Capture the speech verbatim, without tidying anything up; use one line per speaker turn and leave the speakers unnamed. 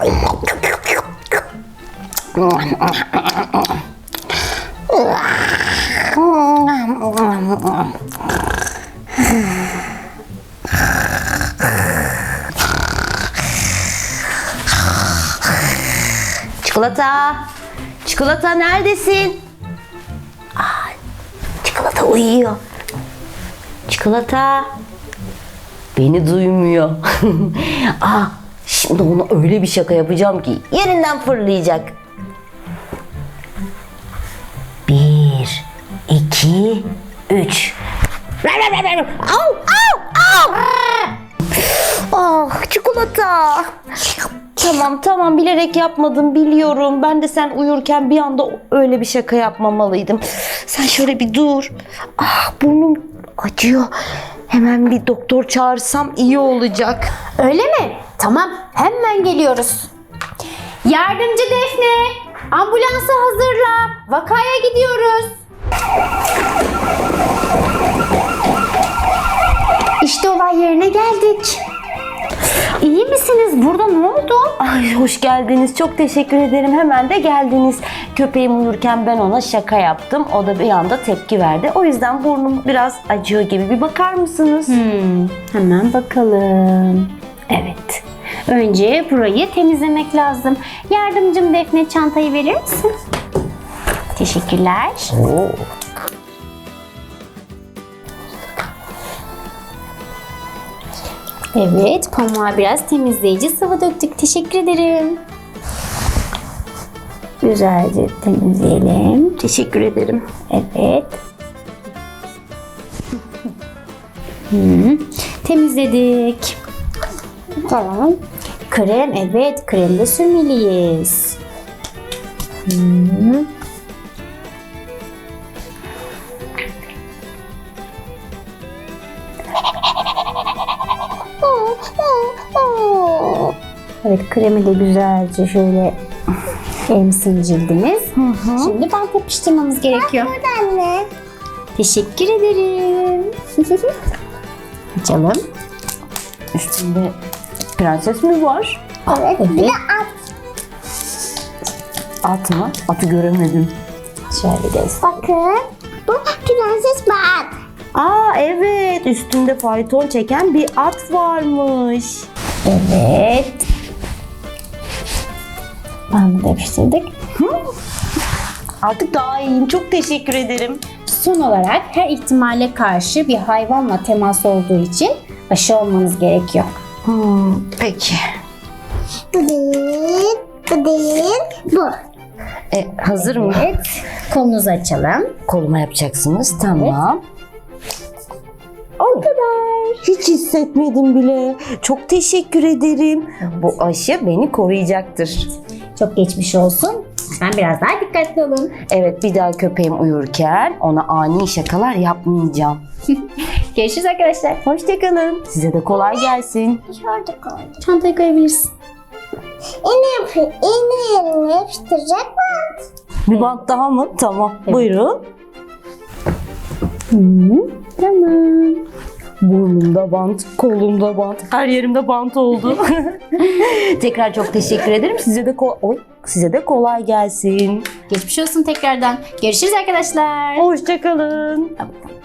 Çikolata, çikolata neredesin? Aa, çikolata uyuyor. Çikolata beni duymuyor. Aa, şimdi ona öyle bir şaka yapacağım ki yerinden fırlayacak. Bir, iki, üç. Au, au, au. Ah, çikolata. Tamam tamam, bilerek yapmadım, biliyorum. Ben de sen uyurken bir anda öyle bir şaka yapmamalıydım. Sen şöyle bir dur. Ah, burnum acıyor. Hemen bir doktor çağırsam iyi olacak.
Öyle mi? Tamam, hemen geliyoruz. Yardımcı Defne, ambulansı hazırla. Vakaya gidiyoruz. İşte olay yerine geldik. İyi misiniz? Burada ne oldu?
Ay, hoş geldiniz. Çok teşekkür ederim. Hemen de geldiniz. Köpeğim uyurken ben ona şaka yaptım. O da bir anda tepki verdi. O yüzden burnum biraz acıyor gibi. Bir bakar mısınız?
Hmm, hemen bakalım. Evet. Önce burayı temizlemek lazım. Yardımcım Defne, çantayı verir misin? Teşekkürler.
Oo.
Evet, pamuğa biraz temizleyici sıvı döktük. Teşekkür ederim. Güzelce temizleyelim.
Teşekkür ederim.
Evet. Hmm, temizledik. Tamam. Krem, evet, krem de sürmeliyiz. Hmm. Evet, kremi de güzelce şöyle emsin cildimiz.
Hı hı.
Şimdi bant yapıştırmamız gerekiyor.
Anne.
Teşekkür ederim. Açalım.
Üstünde prenses mi var?
Evet.
Bir de at.
At mı? Atı göremedim.
Şöyle göster.
Bakın. Bu prenses bak.
Aa, evet. Üstünde fayton çeken bir at varmış.
Evet. Bandı da yapıştırdık.
Artık daha iyiyim. Çok teşekkür ederim.
Son olarak her ihtimale karşı bir hayvanla temas olduğu için aşı olmanız gerekiyor.
Hmm, peki.
Bu değil. Bu değil. Bu.
E, hazır mı?
Evet. Kolunuzu açalım.
Koluma yapacaksınız. Tamam.
O kadar.
Hiç hissetmedim bile. Çok teşekkür ederim. Bu aşı beni koruyacaktır.
Çok geçmiş olsun. Ben biraz daha dikkatli olun.
Evet, bir daha köpeğim uyurken ona ani şakalar yapmayacağım.
Görüşürüz arkadaşlar.
Hoşçakalın. Size de kolay gelsin.
Şurada koydum.
Çantayı koyabilirsin.
İğne yapıyor. İğne yerine yapıştıracak mı?
Bir bant daha mı? Tamam.
Evet.
Buyurun.
Hı, tamam.
Burnumda bant, kolumda bant, her yerimde bant oldu. Tekrar çok teşekkür ederim. Size de ko- Oy, size de kolay gelsin.
Geçmiş olsun tekrardan. Görüşürüz arkadaşlar.
Hoşçakalın.
Tamam.